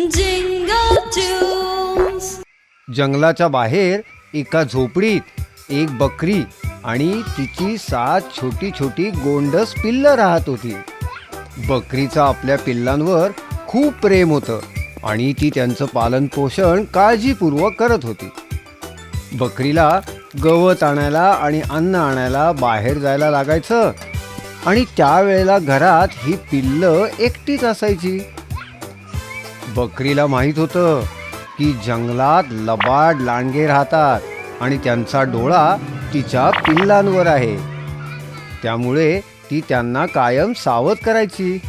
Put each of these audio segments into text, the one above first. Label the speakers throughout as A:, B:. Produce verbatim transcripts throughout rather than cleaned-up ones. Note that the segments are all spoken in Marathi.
A: Jingle tunes.
B: जंगलाच्या बाहेर एका झोपडीत एक बकरी आणि तिची सात छोटी छोटी गोंडस पिल्लं राहत होती. बकरीचं आपल्या पिल्लांवर खूप प्रेम होतं आणि ती त्यांचं पालन पोषण काळजीपूर्वक करत होती. बकरीला गवत आणायला आणि अन्न आणायला बाहेर जायला लागायचं आणि त्यावेळेला घरात ही पिल्लं एकटीच असायची. बकरीला माहीत होतं की जंगलात लबाड लांडगे राहतात आणि त्यांचा डोळा तिच्या पिल्लांवर आहे. त्यामुळे ती त्यांना कायम सावध करायची.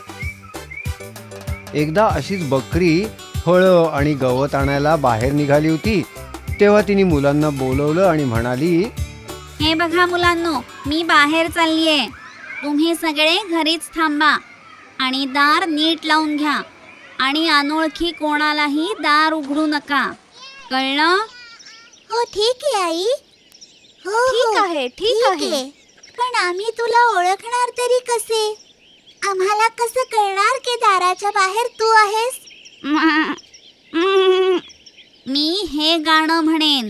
B: एकदा अशीच बकरी फळं आणि गवत आणायला बाहेर निघाली होती. तेव्हा तिने मुलांना बोलवलं आणि म्हणाली,
C: हे बघा मुलांनो, मी बाहेर चाललीये. तुम्ही सगळे घरीच थांबा आणि दार नीट लावून घ्या आणि अनोळखी कोणालाही दार उघडू नका. कळलं?
D: हो ठीक आहे आई. हो
A: ठीक आहे, ठीक आहे.
D: पण आम्ही तुला ओळखणार तरी कसे? आम्हाला कसं कळणार की दाराच्या बाहेर तू आहेस?
C: मी हे गाणं म्हणेन.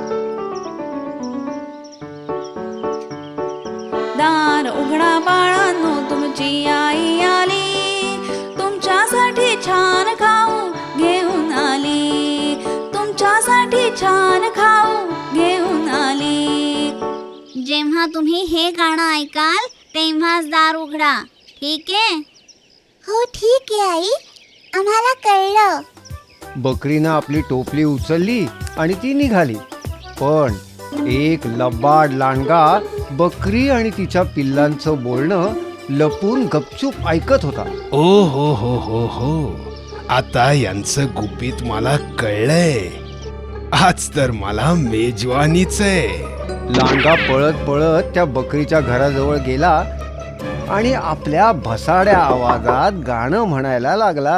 A: दार उघडा बाळांनो, तुमची आई आली. तुमच्यासाठी छान खाऊ घेऊन आली. तुमच्यासाठी छान खाऊ घेऊन आली.
C: जेव्हा तुम्ही हे गाणं ऐकाल तेव्हाच दार उघडा. ठीक आहे?
D: हो ठीक आहे आई, आम्हाला कळलं.
B: बकरीनं आपली टोपली उचलली आणि ती निघाली. पण एक लबाड लांडगा बकरी आणि तिच्या पिल्लांचं बोलणं लपून गपचूप ऐकत होता.
E: ओ हो हो हो हो आता यांचं गुपित मला कळलंय. आज तर मला मेजवानीच आहे.
B: लांडगा पळत पळत त्या बकरीच्या घराजवळ गेला आणि आपल्या भसाड्या आवाजात गाणं म्हणायला लागला.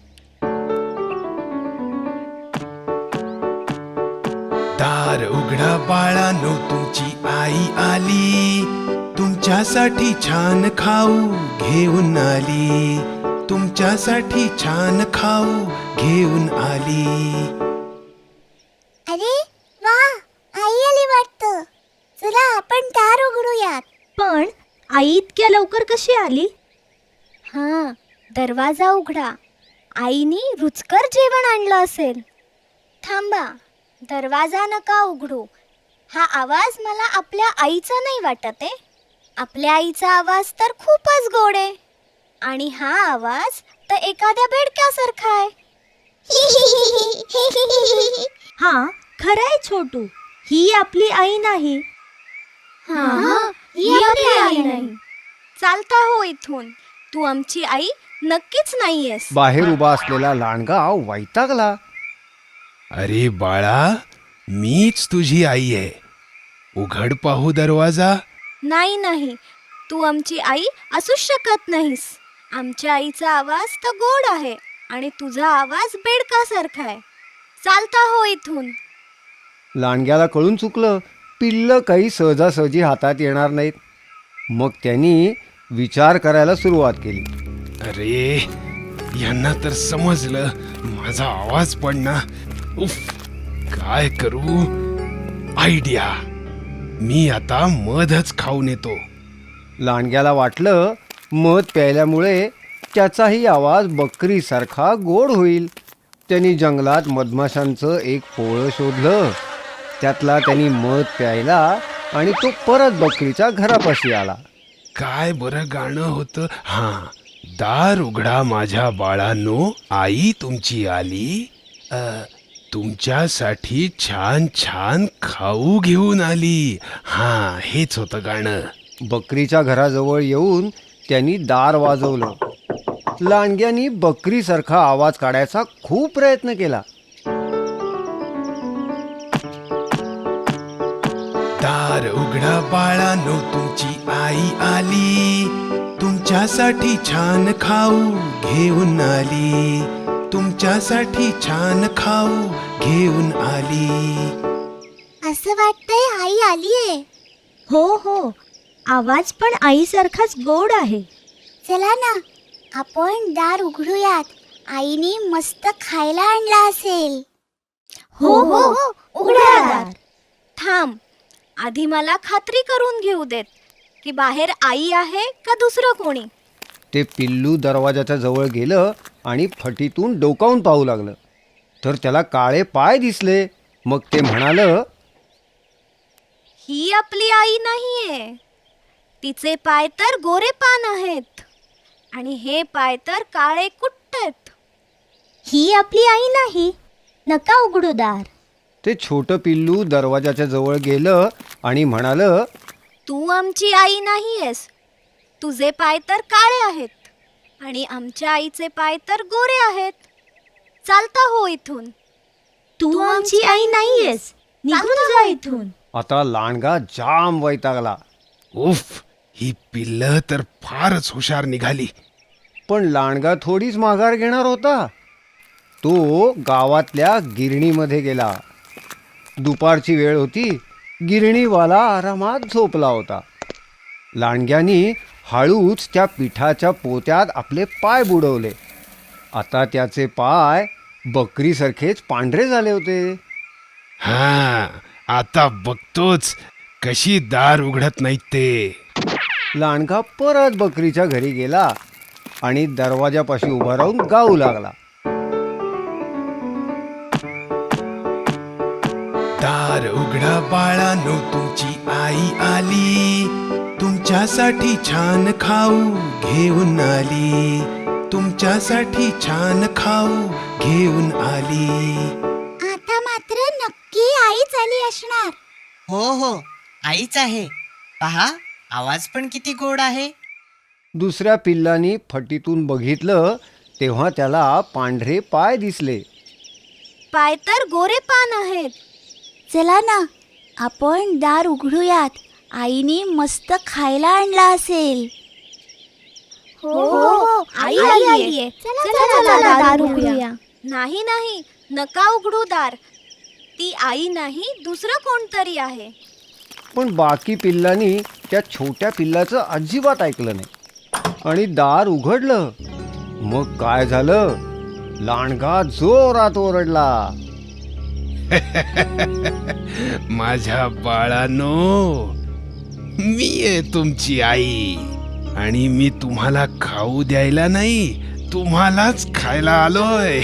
E: दार उघडा बाळांनो, तुमची आई आली. तुमच्यासाठी छान खाऊ घेऊन आली. तुमच्यासाठी छान खाऊ घेऊन आली.
D: अरे वा, आई आली वाटतं. चला आपण दार उघडूयात.
F: पण आई इतक्या लवकर कशी आली?
D: हां, दरवाजा उघडा. आईनी रुचकर जेवण आणलं असेल. थांबा, दरवाजा नका उघडू. हा आवाज मला आपल्या आईचा नाही वाटत आहे. आपल्या आईचा आवाज तर खूपच गोड आहे आणि हा आवाज तर एखाद्या बेडक्यासारखा आहे.
F: हा खरंय छोटू, ही आपली आई नाही.
D: हां, ही आपली आई नाही.
A: चालता हो इथून. तू आमची आई नक्कीच नाहीयेस.
B: बाहेर उभा असलेला लांडगा वैतागला.
E: अरे बाळा, मीच तुझी आई आहे. उघड पाहू दरवाजा.
A: नाही नाही, तू आमची आई असूच शकत नाहीस. आमच्या आईचा आवाज तर गोड आहे आणि तुझा आवाज बेडकासारखा आहे. चालता हो इथून.
B: लांडग्याला कळून चुकलं, पिल्लं काही सहजासहजी हातात येणार नाहीत. मग त्यांनी विचार करायला सुरुवात केली.
E: अरे यांना तर समजलं माझा आवाज पण ना. उफ, काय करू? आयडिया, मी आता मधच खाऊन येतो.
B: लांडग्याला वाटलं मध प्यायल्यामुळे त्याचाही आवाज बकरीसारखा गोड होईल. त्यांनी जंगलात मधमाशांचं एक पोळं शोधलं. त्यातला त्यांनी मध प्यायला आणि तो परत बकरीच्या घरापाशी आला.
E: काय बरं गाणं होतं. हा, दार उघडा माझ्या बाळांनो, आई तुमची आली. अ, तुमच्यासाठी छान छान खाऊ घेऊन आली. हा, हेच होतं गाणं.
B: बकरीच्या घराजवळ येऊन त्यांनी दार वाजवलं. लांडग्यानी बकरीसारखा आवाज काढायचा खूप प्रयत्न केला.
E: दार उघडा बाळांनो, तुमची आई आली. तुमच्यासाठी छान खाऊ घेऊन आली. तुमच्यासाठी छान खाऊ घेऊन आली.
D: असं वाटतंय आई आलीये.
F: हो हो, आवाज पण आईसारखाच गोड आहे.
D: चला ना, आपण दार उघडूयात आईने मस्त खायला आणला असेल.
F: हो हो उघडा दार.
A: थांब, आधी मला खात्री करून घेऊ देत की बाहेर आई आहे का दुसरं कोणी.
B: ते पिल्लू दरवाजाच्या जवळ गेलं आणि फटीतून डोकावून पाहू लागलं. तर त्याला काळे पाय दिसले. मग ते म्हणालं,
A: ही आपली आई नाहीये. तिचे पाय तर गोरे पान आहेत आणि हे पाय तर काळे कुट्ट आहेत.
F: ही आपली आई नाही. नका उघडू दार.
B: ते छोटं पिल्लू दरवाजाच्या जवळ गेलं आणि म्हणालं,
A: तू आमची आई नाहीयेस. तुझे पाय तर काळे आहेत आणि आमच्या आईचे पाय तर गोरे आहेत. चालता हो इथून.
F: तू आमची आई नाहीयेस. निघून जा इथून.
B: आता लांडगा जाम वैतागला.
E: उफ, ही पिल्लं तर फारच हुशार निघाली.
B: पण लांडगा थोडीच माघार घेणार होता. तो गावातल्या गिरणीमध्ये गेला. दुपारची वेळ होती. गिरणीवाला आरामात झोपला होता. लांडग्यानी हळूच त्या पिठाच्या पोत्यात आपले पाय बुडवले. आता त्याचे पाय बकरीसारखेच पांढरे झाले होते.
E: हा, आता बघतोच कशी दार उघडत नाहीत ते.
B: लांडगा परत बकरीच्या घरी गेला आणि दरवाजापाशी उभा राहून गाऊ लागला.
E: दार उघडा बाळानो, तुमची आई आली. तुमच्यासाठी छान खाऊ घेऊन आली. तुमच्यासाठी छान खाऊ घेऊन आली.
D: आता मात्र नक्की आईच आली असणार.
G: हो हो आईच आहे. पहा, आवाज पण किती गोड आहे.
B: दुसऱ्या पिल्लानी फटीतून बघितलं तेव्हा त्याला पांढरे पाय दिसले.
A: पाय तर गोरे पान आहेत.
D: चला ना, आपण दार उघडूयात. आईने मस्त खायला आणला असेल.
A: हो, आई आलीये.
D: चला चला दार उघडूया.
A: नाही नाही, नका उघडू दार. ती आई नाही, दुसरं कोणतरी आहे.
B: पण बाकी पिल्लांनी त्या छोट्या पिल्लाचं अजिबात ऐकलं नाही आणि दार उघडलं. मग काय झालं? लांडगा जोरात ओरडला.
E: माझ्या बाळानो, मी आहे तुमची आई आणि मी तुम्हाला खाऊ द्यायला नाही, तुम्हालाच खायला आलोय.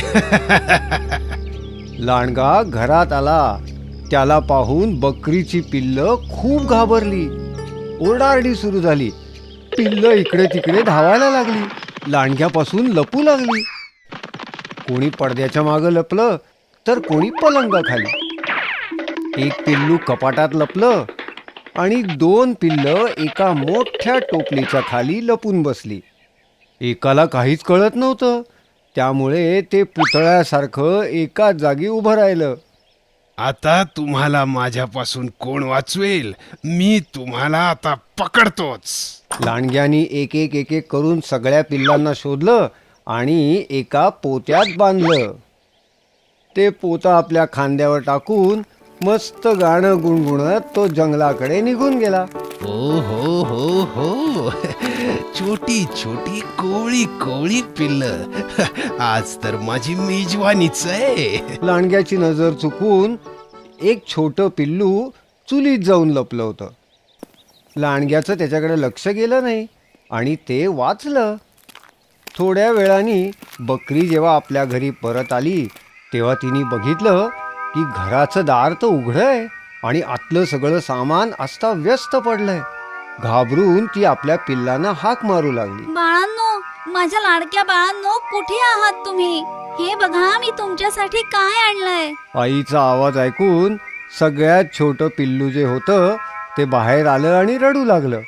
B: लांडगा घरात आला. त्याला पाहून बकरीची पिल्लं खूप घाबरली. ओरडाओरडी सुरू झाली. पिल्लं इकडे तिकडे धावायला लागली. लांडग्यापासून लपू लागली. कोणी पडद्याच्या मागं लपलं तर कोणी पलंगाखाली. एक पिल्लू कपाटात लपलं आणि दोन पिल्लं एका मोठ्या टोपलीच्या खाली लपून बसली. एकाला काहीच कळत नव्हतं. त्यामुळे ते पुतळ्यासारखं एकाच जागी उभं राहिलं.
E: आता तुम्हाला माझ्यापासून कोण वाचवेल? मी तुम्हाला आता पकडतोच.
B: लांडग्यानी एक एक एक एक करून सगळ्या पिल्लांना शोधलं आणि एका पोत्यात बांधलं. ते पोतं आपल्या खांद्यावर टाकून मस्त गाणं गुणगुणत तो जंगलाकडे निघून गेला.
E: हो हो हो हो, छोटी छोटी कोवळी कोवळी पिल्लं, आज तर माझी मेजवानीच आहे.
B: लांडग्याची नजर चुकून एक छोटं पिल्लू चुलीत जाऊन लपलं होतं. लांडग्याचं त्याच्याकडे लक्ष गेलं नाही आणि ते वाचलं. थोड्या वेळाने बकरी जेव्हा आपल्या घरी परत आली तेव्हा तिने बघितलं की घराचं दार तर उघडं आहे आणि आतलं सगळं सामान अस्ताव्यस्त पडलंय. घाबरून ती आपल्या पिल्लांना हाक मारू लागली.
C: बाळांनो, माझ्या लाडक्या बाळांनो, कुठे आहात तुम्ही? हे बघा, मी तुमच्यासाठी काय आणलंय.
B: आईचा आवाज ऐकून सगळ्यात छोटं पिल्लू जे होतं ते बाहेर आलं आणि रडू लागलं.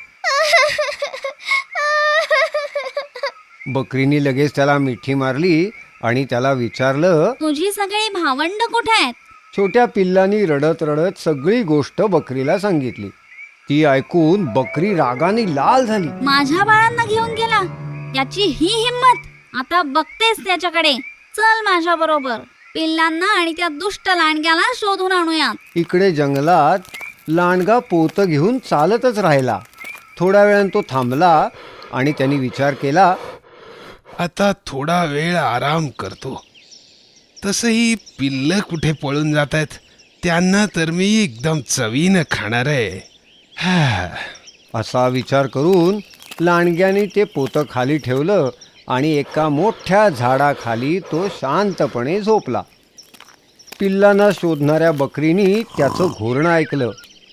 B: बकरीने लगेच त्याला मिठी मारली आणि त्याला विचारलं.
C: तुझी सगळी भावंड कुठे आहेत?
B: छोट्या पिल्लांनी रडत रडत सगळी गोष्ट बकरीला सांगितली. ती ऐकून बकरी रागाने लाल झाली.
C: माझ्या बाळांना घेऊन गेला, याची ही हिम्मत. आता बघतेस त्याच्याकडे. चल माझ्या बरोबर. पिल्लांना आणि त्या दुष्ट लांडग्याला शोधून आणूया.
B: इकडे जंगलात लांडगा पोतं घेऊन चालतच राहिला. थोड्या वेळानं तो थांबला आणि त्यांनी विचार केला.
E: आता थोडा वेळ आराम करतो. तसंही पिल्लं कुठे पळून जात आहेत, त्यांना तर मी एकदम चवीनं खाणार आहे. हा.
B: असा विचार करून लांडग्याने ते पोतं खाली ठेवलं आणि एका मोठ्या झाडाखाली तो शांतपणे झोपला. पिल्लांना शोधणाऱ्या बकरीनी त्याचं घोरणं ऐकलं.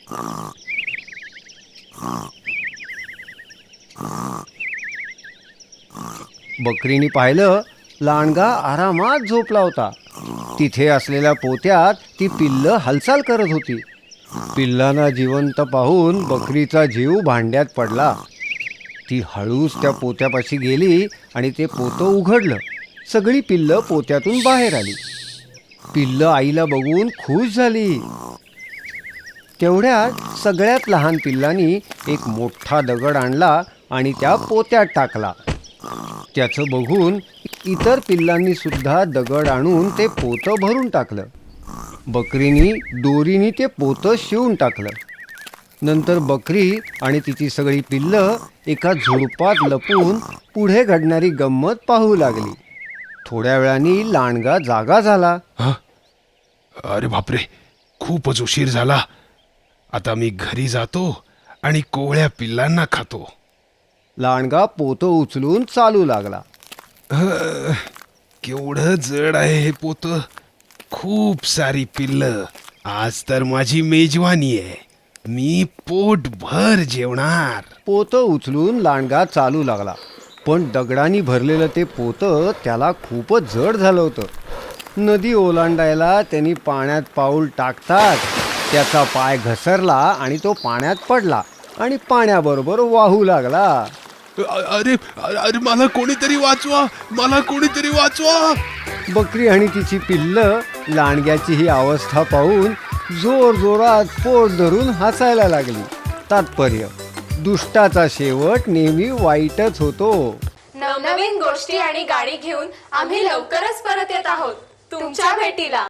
B: बकरीने पाहिलं लांडगा आरामात झोपला होता. तिथे असलेल्या पोत्यात ती पिल्लं हालचाल करत होती. पिल्लांना जिवंत पाहून बकरीचा जीव भांड्यात पडला. ती हळूच त्या पोत्यापाशी गेली आणि ते पोतं उघडलं. सगळी पिल्लं पोत्यातून बाहेर आली. पिल्लं आईला बघून खुश झाली. तेवढ्यात सगळ्यात लहान पिल्लांनी एक मोठा दगड आणला आणि त्या पोत्यात टाकला. त्याचं बघून इतर पिल्लांनी सुद्धा दगड आणून ते पोतं भरून टाकलं. बकरीनी दोरीने ते पोतं शिवून टाकलं. नंतर बकरी आणि तिची सगळी पिल्लं एका झुडपात लपून पुढे घडणारी गंमत पाहू लागली. थोड्या वेळाने लांडगा जागा झाला.
E: हं? अरे बापरे, खूपच उशीर झाला. आता मी घरी जातो आणि कोवळ्या पिल्लांना खातो.
B: लांडगा पोतं उचलून चालू लागला.
E: अ, केवढं जड आहे हे पोत. खूप सारी पिल्लं. आज तर माझी मेजवानी आहे. मी पोटभर जेवणार.
B: पोतं उचलून लांडगा चालू लागला. पण दगडांनी भरलेलं ते पोतं त्याला खूपच जड झालं होतं. नदी ओलांडायला त्यांनी पाण्यात पाऊल टाकताच त्याचा पाय घसरला आणि तो पाण्यात पडला आणि पाण्याबरोबर वाहू लागला.
E: अ- अरे अरे मला कोणीतरी वाचवा, मला कोणीतरी वाचवा.
B: बकरी आणि तिची पिल्लं लांडग्याची ही अवस्था पाहून जोर जोरात पोट धरून हसायला लागली. तात्पर्य, दुष्टाचा शेवट नेहमी वाईटच होतो.
H: नवनवीन गोष्टी आणि गाणी घेऊन आम्ही लवकरच परत येत आहोत तुमच्या भेटीला.